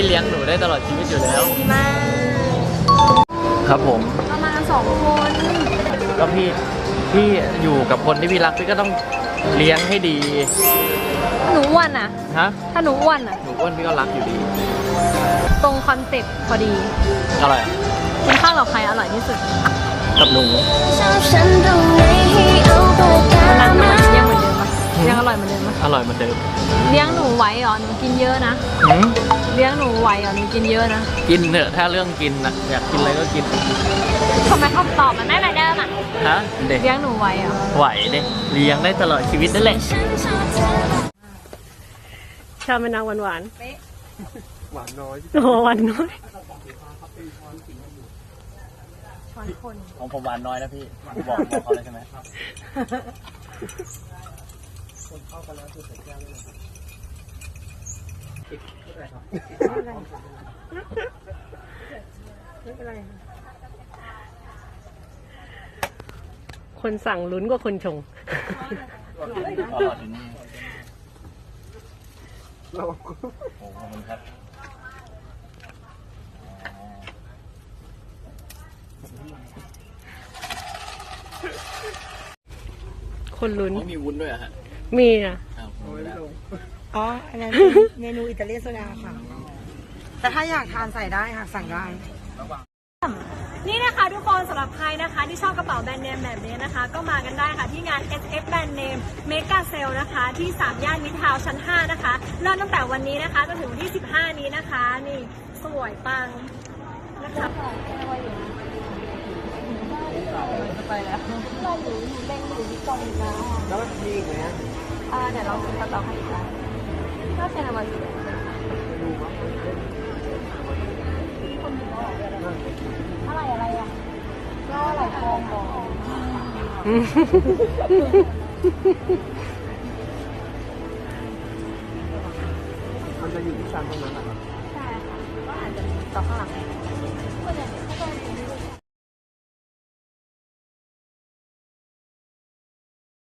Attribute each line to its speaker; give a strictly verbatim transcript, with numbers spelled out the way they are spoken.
Speaker 1: พี่เลี้ยงหนูได้ตลอดชีวิตอยู่แล้ว
Speaker 2: ดีมาก
Speaker 1: ครับผม
Speaker 2: ประมาณสองคน
Speaker 1: ก็พี่พี่อยู่กับคนที่พี่รักพี่ก็ต้องเลี้ยงให้ดี
Speaker 2: หนูอ้วนอ่ะ
Speaker 1: ฮะ
Speaker 2: ถ้าหนูอ้วนอ่ะ
Speaker 1: หนูอ้วนพี่ก็รักอยู่ดี
Speaker 2: ตรงคอนเซ็ปต์พอดี
Speaker 1: อะไร
Speaker 2: กินข้าวกับใครอร่อยที่สุด
Speaker 1: กับหนู
Speaker 2: วันนั้นมันยังเหมือนเดิมปะยังอร่อยเหมือนเดิมปะ
Speaker 1: อร่อยเหมือนเดิม
Speaker 2: เลี้ยงหนูไหวเหรอหนูกินเยอะนะเลี้ยงหนูไหวเหรอหนูกินเยอะนะ
Speaker 1: กินเถอะถ้าเรื่องกินนะอยากกินอะไรก็กิน
Speaker 2: ทำไมคำตอบมันไม่เหมือนเดิมอ่ะ
Speaker 1: ฮะเด็ก
Speaker 2: เลี้ยงหนูไหวเหรอ
Speaker 1: ไหวเด็กเลี้ยงได้ตลอดชีวิตนั่นแหละ
Speaker 3: ชอบเป็นนางหวานหวาน
Speaker 1: หวานน้อย
Speaker 3: โอ้หวานน้อย
Speaker 1: ของผมหวานน้อยนะพี่บอกบอกเขาเลยใช่ไหมคนเข้ากันแล้วคือใส่แก้วเลย
Speaker 3: ไม่เป็นไรคนสั่งลุ้นกว่าคนชง
Speaker 1: โอ้ขอบคุณครับ
Speaker 3: คนลุ้น
Speaker 1: มีวุ้นด้วยอะฮะ
Speaker 3: มีอ่ะ
Speaker 4: อ๋ออันนั้นเมนูอิตาเลียนโซดาค่ะแต่ถ้าอยากทานใส่ได้ค่ะสั่งได้
Speaker 2: นี่นะคะทุกคนสำหรับใครนะคะที่ชอบกระเป๋าแบรนด์เนมแบบนี้นะคะก็มากันได้ค่ะที่งาน เอส เอฟ แบรนด์เนมเมกาเซลนะคะที่สามย่านมิตรทาวน์ชั้นห้านะคะเริ่มตั้งแต่วันนี้นะคะจนถึงวันที่สิบห้านี้นะคะนี่สวยปังนะคะไปแล้วเราอยู่เล่นอยู่ที่กองนะแล้วมีอีกไหมอ่าเดี๋ยวเราซื้อกระเป๋าให้อีกแล้วก็เซนมาสิอะไรอะไรอ่ะก็อะไรทองบอก
Speaker 1: มันจะอยู่ที่ชั้นตรงนั้นแหละครับ
Speaker 2: ใช่ค่ะก็อาจจะมีต่อข้างหลังก็เนี่ยเขาก็